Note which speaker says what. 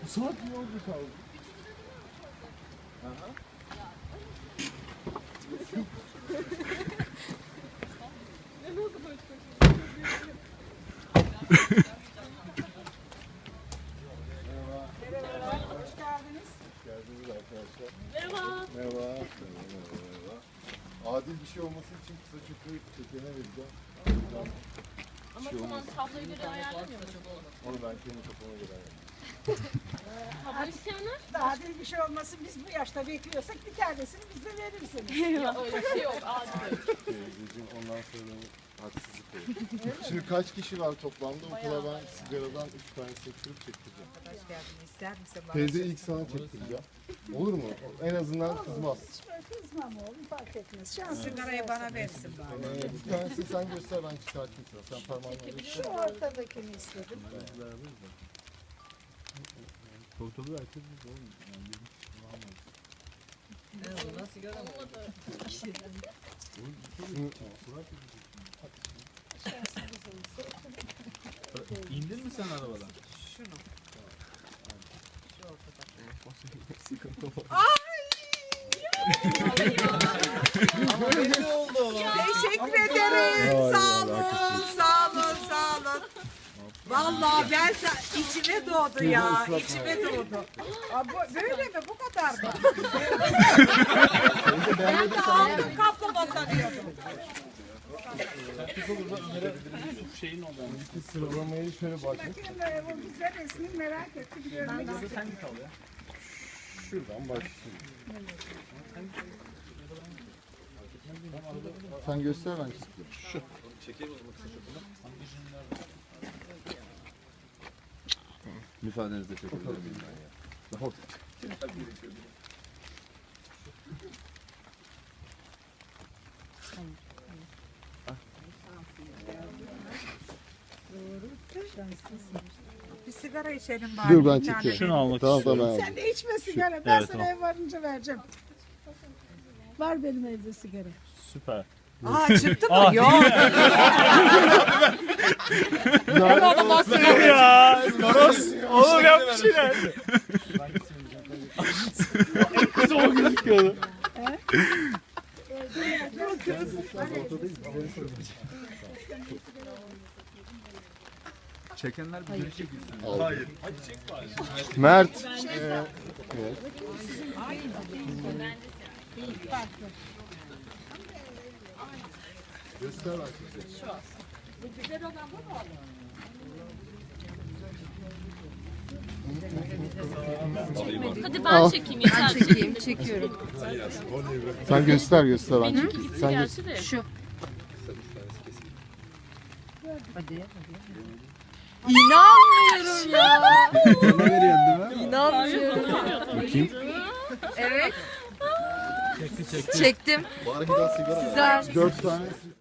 Speaker 1: saat yolda kaldı. Aha.
Speaker 2: Merhaba, hoş geldiniz.
Speaker 1: Hoş geldiniz arkadaşlar.
Speaker 3: Merhaba.
Speaker 1: Merhaba. Merhaba. Adil bir şey olması için kısa çöpü çekene vereceğim.
Speaker 3: Ama tamam tabloyu göre ayarlamıyor mu?
Speaker 1: Onu ben kendi kafama göre ayarlayayım.
Speaker 3: Tablo isteyenler?
Speaker 2: Daha değil bir şey olmasın, biz bu yaşta bekliyorsak bir tanesini bize verirsiniz.
Speaker 3: Ya öyle bir şey yok. Adil.
Speaker 1: Bizim ondan sonra haksızlık olur. Şimdi kaç kişi var toplamda? Okula ben sigaradan 3 tane seçtirip çektireceğim.
Speaker 2: Hoş geldin, ister misin bana?
Speaker 1: Teyze ilk sana çektireceğim. Olur mu? En azından kızmaz.
Speaker 2: Kızmam oğlum, fark etmez. Şans sigarayı bana versin bari.
Speaker 1: Bir tanesini sen göster, ben çıkartayım sana. Sen parmağını göster.
Speaker 2: Şu ortadakini istedim.
Speaker 1: Portalı herkes biz oğlum. Yani bir kişi
Speaker 4: İndin mi sen arabadan?
Speaker 2: Şunu. Şu ortadaki.
Speaker 4: Ama belli oldu.
Speaker 2: Teşekkür ederim. Sağ olun, sağ olun, sağ olun. Vallahi ben içime doğdu ya, içime doğdu. Aa, böyle mi? Bu kadar mı? Ben de aldım kaplama sanıyordum.
Speaker 4: Şeyin oldu.
Speaker 1: İki sıralamayı şöyle bakın.
Speaker 2: Bakayım bu güzel resmi merak ettim. Görmek istedim.
Speaker 4: Sen git al ya.
Speaker 1: Şuradan başlayayım. Sen göster, ben çekeyim. Şu.
Speaker 4: Çekeyim o zaman kısa çöpünü.
Speaker 1: Müsaadenizle çekebilir miyim ben ya? Daha orta.
Speaker 2: Bir sigara içelim bari.
Speaker 1: Dur ben
Speaker 2: bir tane.
Speaker 1: çekeyim.
Speaker 4: Şunu almak
Speaker 1: Tamam
Speaker 4: istiyorum.
Speaker 1: tamam.
Speaker 2: Sen de içme sigara. Ben
Speaker 4: Evet,
Speaker 2: sana
Speaker 4: tamam.
Speaker 2: ev varınca vereceğim. Var benim evde sigara.
Speaker 4: Süper.
Speaker 2: Aa çıktı mı? Yok.
Speaker 4: Ya Toros. Oğlum yap bir şeyler. Zor gözüküyordu.
Speaker 5: Çekenler bir geri çekilsin.
Speaker 1: Hayır. Mert. Evet. Göster bak.
Speaker 3: Hadi ben çekeyim yeter.
Speaker 6: Çekeyim, çekiyorum.
Speaker 1: Sen göster göster ben.
Speaker 3: Benimki gitti
Speaker 1: Sen
Speaker 3: gerçi de.
Speaker 6: Şu. Hadi. İnanmıyorum ya.
Speaker 5: Ne veriyorsun değil mi?
Speaker 6: İnanmıyorum.
Speaker 1: Bakayım.
Speaker 6: Evet. Çektim.
Speaker 1: Bari bir daha sigara.
Speaker 6: Güzel.
Speaker 1: 4 tane